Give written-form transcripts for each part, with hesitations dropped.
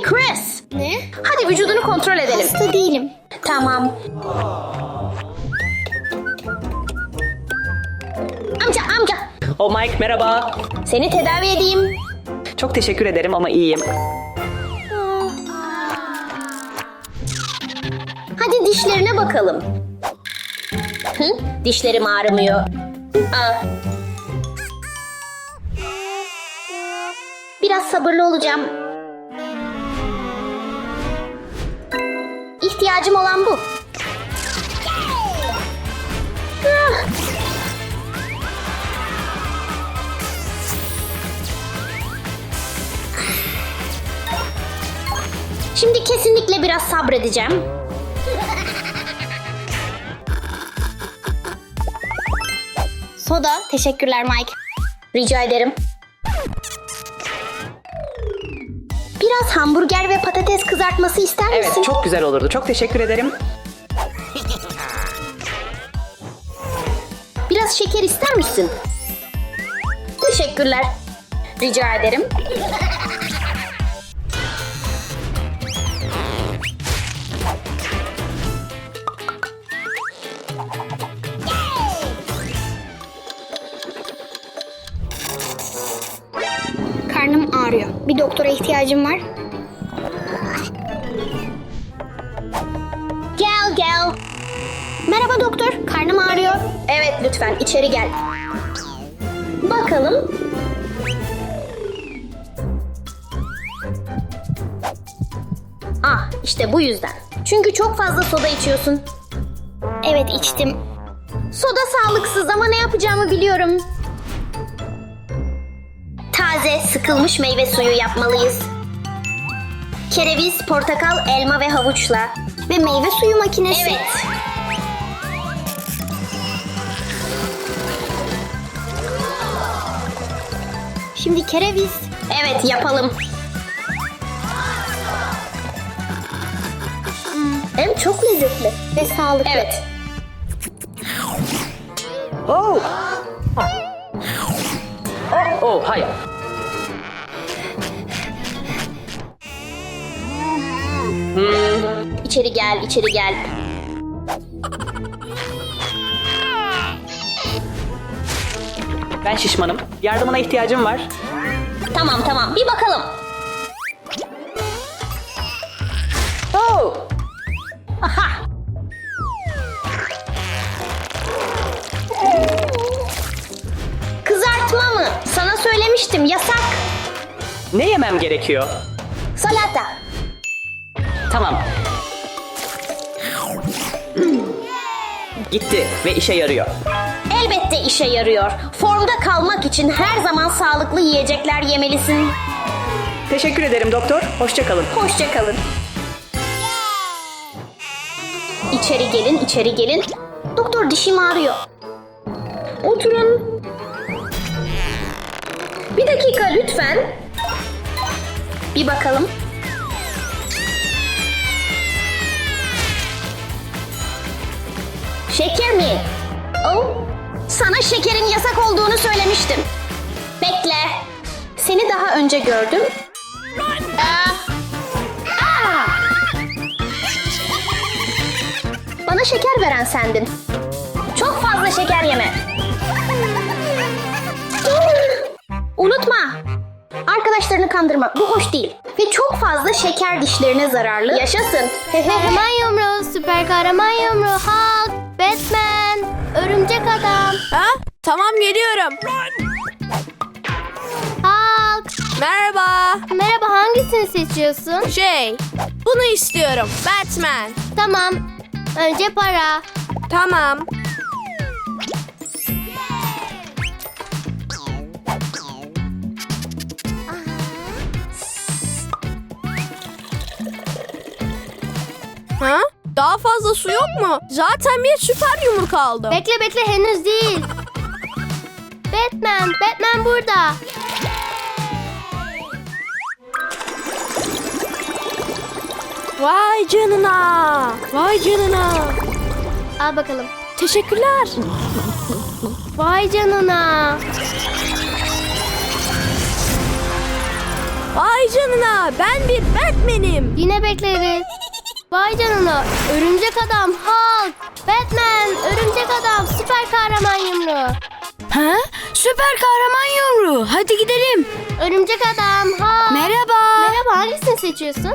Chris, Ne? hadi vücudunu kontrol edelim. Hasta değilim. Tamam. Amca. Oh Mike, merhaba. Seni tedavi edeyim. Çok teşekkür ederim ama iyiyim. Hadi dişlerine bakalım. Dişlerim ağrımıyor. Biraz sabırlı olacağım. İhtiyacım olan bu. Şimdi kesinlikle biraz sabredeceğim. Soda. Teşekkürler Mike. Rica ederim. Biraz hamburger ve patates kızartması ister misin? Evet, çok güzel olurdu. Çok teşekkür ederim. Biraz şeker ister misin? Teşekkürler. Rica ederim. Karnım ağrıyor. Bir doktora ihtiyacım var. Gel. Merhaba doktor. Karnım ağrıyor. Evet, lütfen içeri gel. Bakalım. İşte bu yüzden. Çünkü çok fazla soda içiyorsun. Evet içtim. Soda sağlıksız ama ne yapacağımı biliyorum. Taze, sıkılmış meyve suyu yapmalıyız. Kereviz, portakal, elma ve havuçla. Ve meyve suyu makinesi. Evet. Şimdi kereviz. Evet, yapalım. Hem çok lezzetli. Ve sağlıklı. Evet. Oh! Oh, hayır. İçeri gel. Ben şişmanım. Yardımına ihtiyacım var. Tamam. Bir bakalım. Oh! Aha. Kızartma mı? Sana söylemiştim, yasak. Ne yemem gerekiyor? Salata. Tamam. Gitti ve işe yarıyor. Elbette işe yarıyor. Formda kalmak için her zaman sağlıklı yiyecekler yemelisin. Teşekkür ederim doktor. Hoşça kalın. Hoşça kalın. İçeri gelin. Doktor, dişim ağrıyor. Oturun. Bir dakika lütfen. Bir bakalım. Şeker mi? Oh. Sana şekerin yasak olduğunu söylemiştim. Bekle. Seni daha önce gördüm. Bana şeker veren sendin. Çok fazla şeker yeme. Unutma. Arkadaşlarını kandırma. Bu hoş değil. Ve çok fazla şeker dişlerine zararlı. Yaşasın. Kahraman yumruğu, süper kahraman yumruğu, Hulk, Batman, örümcek adam. Ha? Tamam geliyorum. Hulk. Merhaba. Merhaba, hangisini seçiyorsun? Bunu istiyorum. Batman. Tamam. Önce para. Tamam. Ha? Daha fazla su yok mu? Zaten bir süper yumruk aldım. Bekle henüz değil. Batman burada. Vay canına. Vay canına. Al bakalım. Teşekkürler. Vay canına. Vay canına, ben bir Batman'im. Yine bekleriz. Vay canına. Örümcek adam, Hulk, Batman, örümcek adam, süper kahraman yumruğu. Ha? Süper kahraman yumruğu. Hadi gidelim. Örümcek adam, Hulk. Merhaba. Merhaba, hangisini seçiyorsun?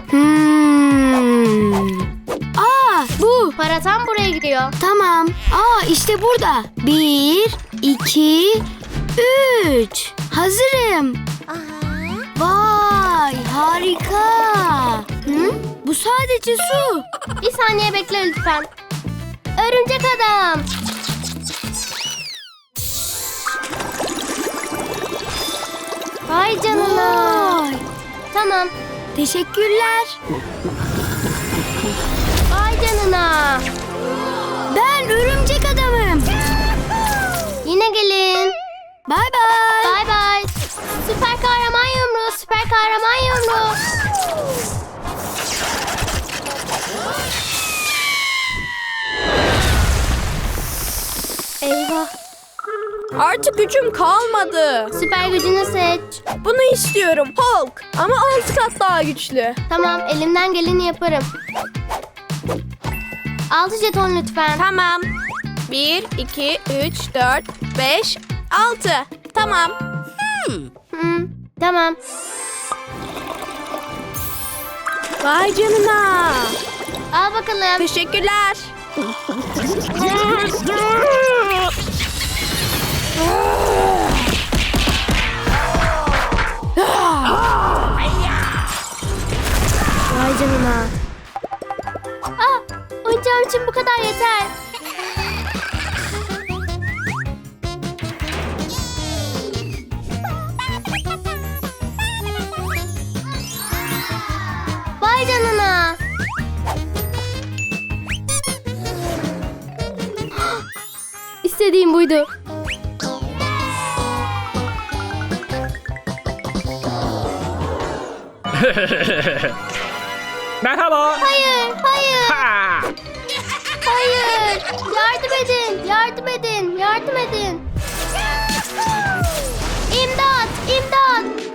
Aa, bu. Para tam buraya gidiyor. Tamam. Aa, işte burada. 1, 2, 3. Hazırım. Vay, harika. Hı? Bu sadece su. Bir saniye bekle lütfen. Örümcek adam. Vay canına. Vay. Tamam. Teşekkürler. Vay canına. Ben örümcek adamım. Yine gelin. Bay bay. Bay bay. Süper kahraman yumruğu, süper kahraman yumruğu. Eyvah. Artık gücüm kalmadı. Süper gücünü seç. Bunu istiyorum Hulk. Ama 6 kat daha güçlü. Tamam, elimden geleni yaparım. 6 jeton lütfen. Tamam. 1, 2, 3, 4, 5, 6. Tamam. Tamam. Vay canına. Al bakalım. Teşekkürler. Vay canına. Oyuncağım için bu kadar yeter. Vay canına. İstediğim buydu. Merhaba. Hayır, hayır, Ha! hayır. Yardım edin, yardım edin, yardım edin. İmdat, imdat.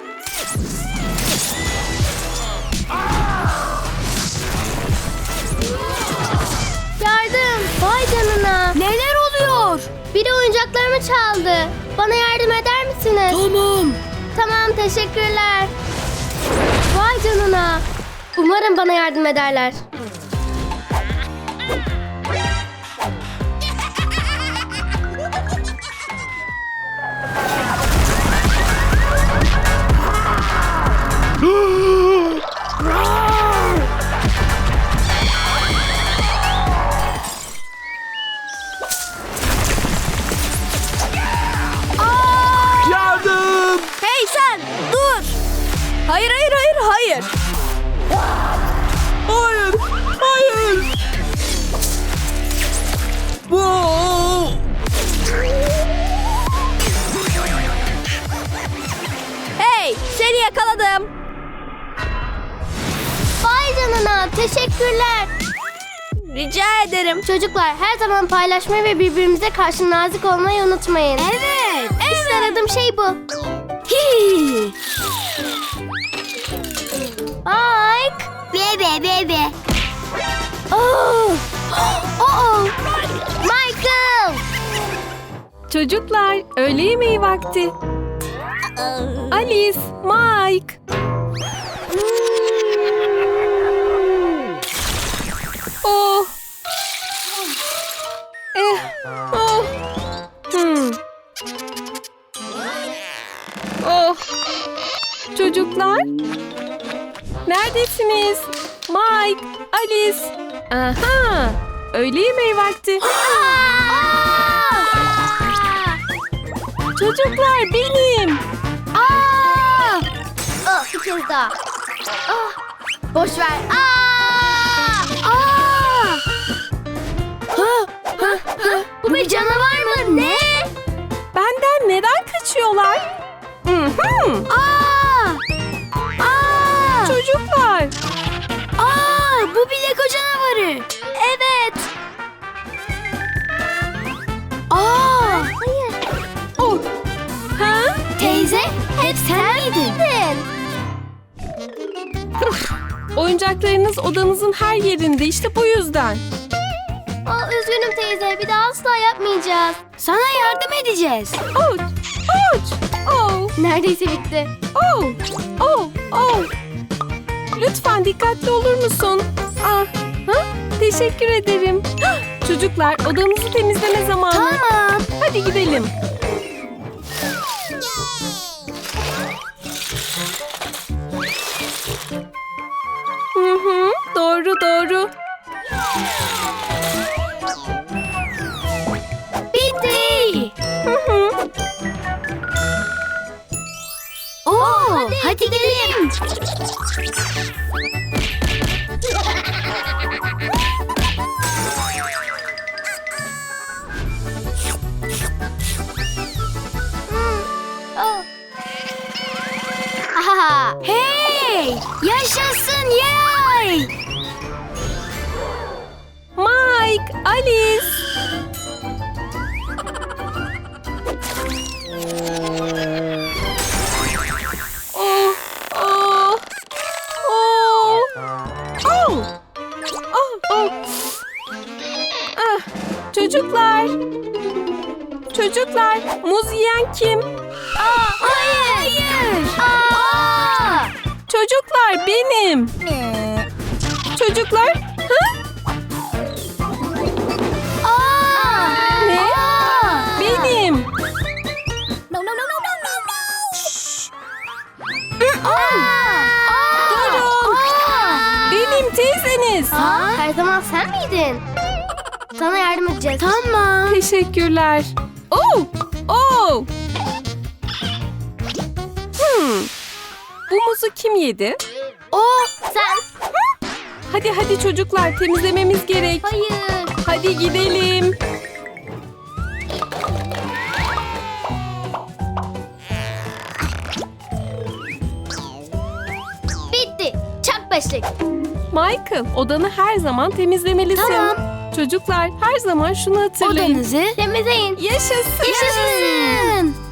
Yardım, vay canına. Neler oluyor? Biri oyuncaklarımı çaldı. Bana yardım eder misiniz? Tamam. Tamam, teşekkürler. Vay canına. Umarım bana yardım ederler. Yardım! Hey sen, dur. Hayır, hayır, hayır, hayır. Hayır! Hayır! Wow! Hey, seni yakaladım. Vay canına, teşekkürler. Rica ederim. Çocuklar, her zaman paylaşmayı ve birbirimize karşı nazik olmayı unutmayın. Evet. İşte aradığım şey bu. Hi. Mike. Bebe bebe. Oh. Oh. Michael. Çocuklar, öğle yemeği vakti. Alice, Mike. Oh. Oh. Oh. Çocuklar, neredesiniz? Mike, Alice. Aha, öğle yemeği vakti. Çocuklar benim. Oh, bir kez daha. Oh. Boş ver. Bu bir canavar mı? Ne? Benden neden kaçıyorlar? Çocuklar. Bu bir Lego canavarı. Evet. Hayır. Oh. Ha? Teyze, hep sen miydin? Gidin. Oyuncaklarınız odanızın her yerinde, işte bu yüzden. Üzgünüm teyze, bir daha asla yapmayacağız. Sana yardım edeceğiz. Ouch! Ouch! Oh! Neredeyse bitti. Oh! Oh! Oh! Lütfen dikkatli olur musun? Ah, ha? Teşekkür ederim. Çocuklar, odamızı temizleme zamanı. Tamam. Hadi gidelim. Hı hı, doğru doğru. Bitti. Hı hı. Hadi gidelim. Ahaha. Hey! Yaşasın yay! Mike, Alice. Oh, oh, oh, oh, oh, oh. Ah, çocuklar. Çocuklar, muz yiyen kim? Hayır! Çocuklar benim. Çocuklar, ha? Ne? Benim. Durun. Benim teyzeniz. Her zaman sen miydin? Sana yardım edeceğiz. Tamam. Teşekkürler. Oh, oh. Bu muzu kim yedi? Sen. Hadi hadi çocuklar, temizlememiz gerek. Hayır. Hadi gidelim. Bitti. Çak beşlik. Michael, odanı her zaman temizlemelisin. Tamam. Çocuklar, her zaman şunu hatırlayın. Odanızı Temizleyin. Yaşasın. yaşasın.